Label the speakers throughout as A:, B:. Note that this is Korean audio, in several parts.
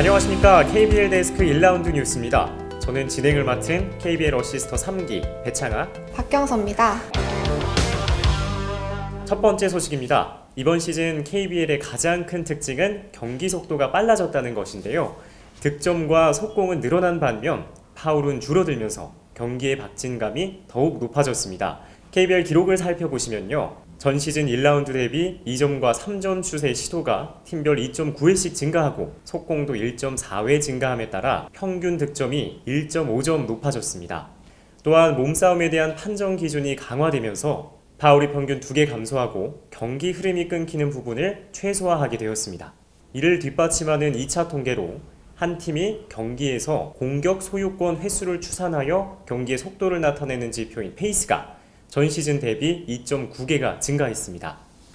A: 안녕하십니까. KBL 데스크 1라운드 뉴스입니다. 저는 진행을 맡은 KBL 어시스터 3기 배창아,
B: 박경서입니다.
A: 첫 번째 소식입니다. 이번 시즌 KBL의 가장 큰 특징은 경기 속도가 빨라졌다는 것인데요. 득점과 속공은 늘어난 반면 파울은 줄어들면서 경기의 박진감이 더욱 높아졌습니다. KBL 기록을 살펴보시면요. 전 시즌 1라운드 대비 2점과 3점 슛의 시도가 팀별 2.9회씩 증가하고 속공도 1.4회 증가함에 따라 평균 득점이 1.5점 높아졌습니다. 또한 몸싸움에 대한 판정 기준이 강화되면서 파울이 평균 2개 감소하고 경기 흐름이 끊기는 부분을 최소화하게 되었습니다. 이를 뒷받침하는 2차 통계로 한 팀이 경기에서 공격 소유권 횟수를 추산하여 경기의 속도를 나타내는 지표인 페이스가 전 시즌 대비 2.9개가 증가했습니다.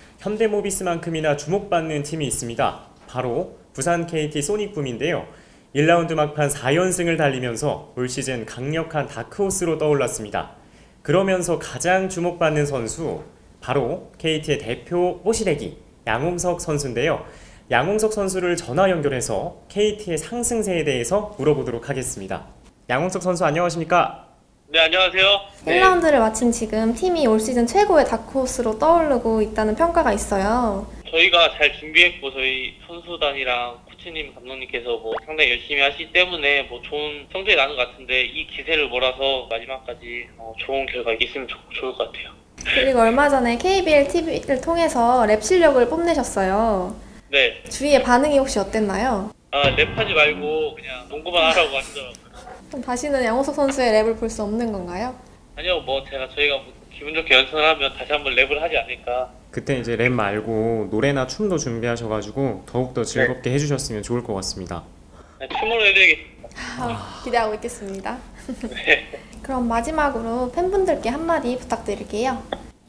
A: 현대모비스만큼이나 주목받는 팀이 있습니다. 바로 부산 KT 소닉붐인데요. 1라운드 막판 4연승을 달리면서 올 시즌 강력한 다크호스로 떠올랐습니다. 그러면서 가장 주목받는 선수, 바로 KT의 대표 뽀시래기 양홍석 선수인데요. 양홍석 선수를 전화 연결해서 KT의 상승세에 대해서 물어보도록 하겠습니다. 양홍석 선수 안녕하십니까?
C: 네, 안녕하세요.
B: 1라운드를 마친 지금 팀이 올 시즌 최고의 다크호스로 떠오르고 있다는 평가가 있어요.
C: 저희가 잘 준비했고 저희 선수단이랑 코치님, 감독님께서 상당히 열심히 하시기 때문에 좋은 성적이 나는 것 같은데 이 기세를 몰아서 마지막까지 좋은 결과 있으면 좋을 것 같아요.
B: 그리고 얼마 전에 KBL TV를 통해서 랩 실력을 뽐내셨어요.
C: 네.
B: 주위의 반응이 혹시 어땠나요?
C: 랩하지 말고 그냥 농구만 하라고 하시더라고요.
B: 그럼 다시는 양홍석 선수의 랩을 볼 수 없는 건가요?
C: 아니요, 저희가 기분 좋게 연습을 하면 다시 한번 랩을 하지 않을까.
A: 그때 이제 랩 말고 노래나 춤도 준비하셔가지고 더욱더 즐겁게 해주셨으면 좋을 것 같습니다.
C: 네, 춤으로 해드리겠습니다.
B: 기대하고 있겠습니다.
C: 네.
B: 그럼 마지막으로 팬분들께 한마디 부탁드릴게요.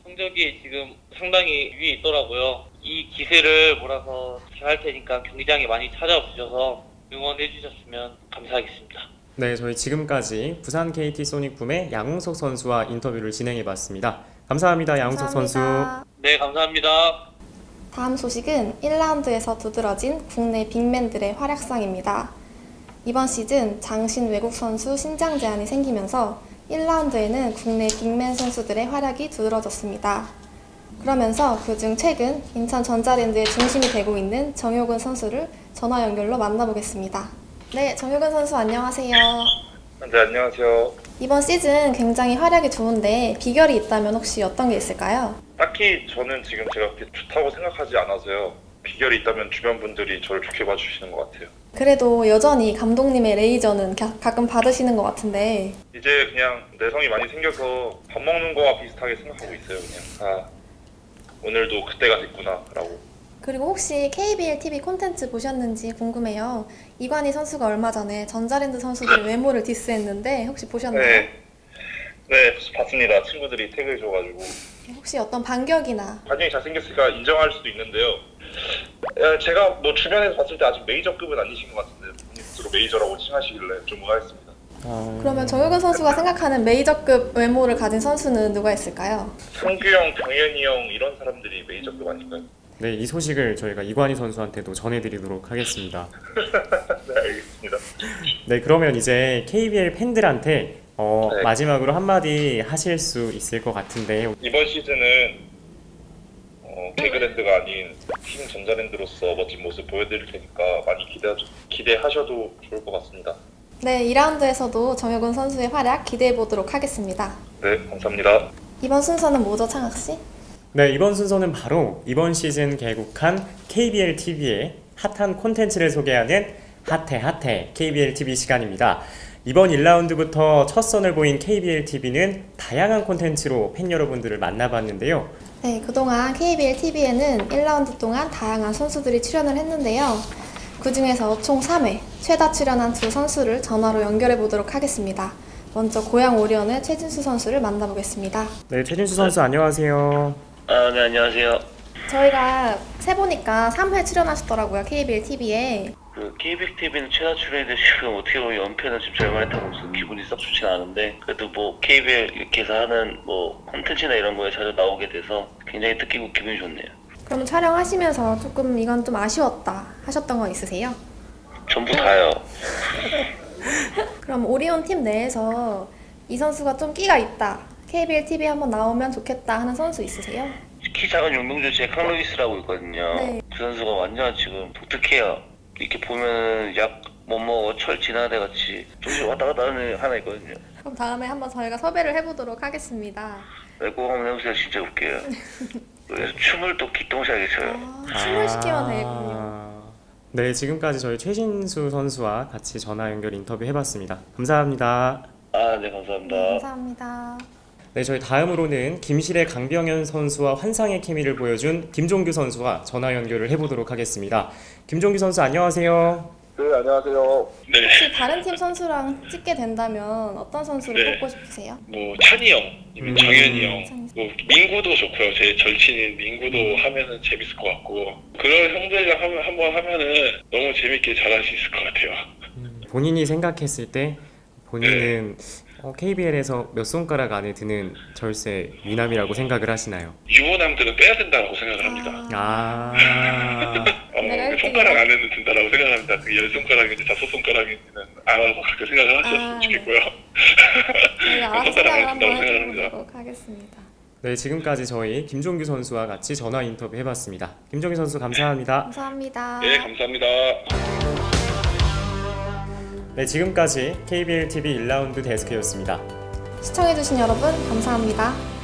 C: 성적이 지금 상당히 위에 있더라고요. 이 기세를 몰아서 잘 할 테니까 경기장에 많이 찾아와 주셔서 응원해 주셨으면 감사하겠습니다.
A: 네, 저희 지금까지 부산 KT 소닉붐의 양홍석 선수와 인터뷰를 진행해봤습니다. 감사합니다, 양홍석 선수.
C: 네, 감사합니다.
B: 다음 소식은 1라운드에서 두드러진 국내 빅맨들의 활약상입니다. 이번 시즌 장신 외국 선수 신장 제한이 생기면서 1라운드에는 국내 빅맨 선수들의 활약이 두드러졌습니다. 그러면서 그중 최근 인천 전자랜드의 중심이 되고 있는 정효근 선수를 전화 연결로 만나보겠습니다. 네, 정효근 선수 안녕하세요.
D: 네, 안녕하세요.
B: 이번 시즌 굉장히 활약이 좋은데 비결이 있다면 혹시 어떤 게 있을까요?
D: 딱히 저는 지금 제가 그렇게 좋다고 생각하지 않아서요. 비결이 있다면 주변 분들이 저를 좋게 봐주시는 것 같아요. 그래도
B: 여전히 감독님의 레이저는 가끔 받으시는 것 같은데
D: 이제 그냥 내성이 많이 생겨서 밥 먹는 거와 비슷하게 생각하고 있어요. 그냥 오늘도 그때가 됐구나 라고.
B: 그리고 혹시 KBL TV 콘텐츠 보셨는지 궁금해요. 이관희 선수가 얼마 전에 전자랜드 선수들 외모를 디스했는데 혹시 보셨나요?
D: 네, 봤습니다. 친구들이 태그해줘가지고.
B: 혹시 어떤 반격이나
D: 반영이 잘생겼으니까 인정할 수도 있는데요. 제가 주변에서 봤을 때 아직 메이저급은 아니신 것 같은데 본인 스스로 메이저라고 칭하시길래 좀 의아했습니다.
B: 그러면 정효근 선수가 생각하는 메이저급 외모를 가진 선수는 누가 있을까요?
D: 성규 형, 병현이 형 이런 사람들이 메이저급 아닐까요?
A: 네, 이 소식을 저희가 이관희 선수한테도 전해드리도록 하겠습니다.
D: 네, 알겠습니다.
A: 네, 그러면 이제 KBL 팬들한테
D: 네.
A: 마지막으로 한마디 하실 수 있을 것 같은데
D: 이번 시즌은 K그랜드가 아닌 팀 전자랜드로서 멋진 모습 보여드릴 테니까 많이 기대하셔도 좋을 것 같습니다.
B: 네, 2라운드에서도 정효근 선수의 활약 기대해보도록 하겠습니다.
D: 네, 감사합니다.
B: 이번 순서는 뭐죠, 창학씨?
A: 네, 이번 순서는 바로 이번 시즌 개국한 KBL TV의 핫한 콘텐츠를 소개하는 핫해 KBL TV 시간입니다. 이번 1라운드부터 첫 선을 보인 KBL TV는 다양한 콘텐츠로 팬 여러분들을 만나봤는데요.
B: 네, 그동안 KBL TV에는 1라운드 동안 다양한 선수들이 출연을 했는데요. 그 중에서 총 3회 최다 출연한 두 선수를 전화로 연결해 보도록 하겠습니다. 먼저 고양 오리온의 최진수 선수를 만나보겠습니다.
A: 네, 최진수 선수 안녕하세요.
C: 네, 안녕하세요.
B: 저희가 세보니까 3회 출연하셨더라고요, KBL TV에.
C: KBL TV는 최다 출연인데 지금 어떻게 보면 연패는 지금 절반했다고 해서 기분이 썩 좋진 않은데 그래도 KBL 이렇게 해서 하는 콘텐츠나 이런 거에 자주 나오게 돼서 굉장히 뜻깊고 기분이 좋네요.
B: 그럼 촬영하시면서 조금 이건 좀 아쉬웠다 하셨던 거 있으세요?
E: 전부 다요.
B: 그럼 오리온 팀 내에서 이 선수가 좀 끼가 있다. KBL TV 한번 나오면 좋겠다 하는 선수 있으세요?
E: 키 작은 용병조 제칸 루이스라고 있거든요.
B: 네.
E: 그 선수가 완전 지금 독특해요. 이렇게 보면 약 못 먹어 철 진화대 같이 조금씩 왔다 갔다 하는 하나 있거든요.
B: 그럼 다음에 한번 저희가 섭외를 해보도록 하겠습니다.
E: 꼭 한번 해보세요. 진짜 웃겨요. 그래서 춤을 또 기똥차게 춰요.
B: 춤을 시키면 되겠군요.
A: 네, 지금까지 저희 최신수 선수와 같이 전화 연결 인터뷰 해봤습니다. 감사합니다.
E: 네, 감사합니다.
B: 네, 감사합니다.
A: 네, 저희 다음으로는 김실의 강병현 선수와 환상의 케미를 보여준 김종규 선수와 전화 연결을 해보도록 하겠습니다. 김종규 선수 안녕하세요.
D: 네, 안녕하세요.
C: 네.
B: 혹시 다른 팀 선수랑 찍게 된다면 어떤 선수를
C: 네.
B: 뽑고 싶으세요?
C: 뭐 찬이 형, 아니면 정현이 형,
B: 찬이.
C: 뭐 민구도 좋고요. 제 절친인 민구도 하면은 재밌을 것 같고 그런 형들이랑 한번 하면은 너무 재밌게 잘할 수 있을 것 같아요.
A: 본인이 생각했을 때 본인은 KBL에서 몇 손가락 안에 드는 절세 미남이라고 생각을 하시나요?
C: 유부남들은 빼야 된다고 생각을 합니다.
B: 내가 일등이야?
C: 손가락 안에는 든다라고 생각합니다. 그 10손가락인지 5손가락인지는 알아서 그렇게 생각을 하셨으면 좋겠고요.
B: 저희가 알아서
C: 손가락
B: 생각을
C: 안에
B: 한번
C: 든다고 생각합니다.
B: 해보도록 하겠습니다.
A: 네, 지금까지 저희 김종규 선수와 같이 전화 인터뷰 해봤습니다. 김종규 선수 감사합니다.
B: 감사합니다.
C: 네, 감사합니다.
A: 네, 지금까지 KBL TV 1라운드 데스크였습니다.
B: 시청해주신 여러분 감사합니다.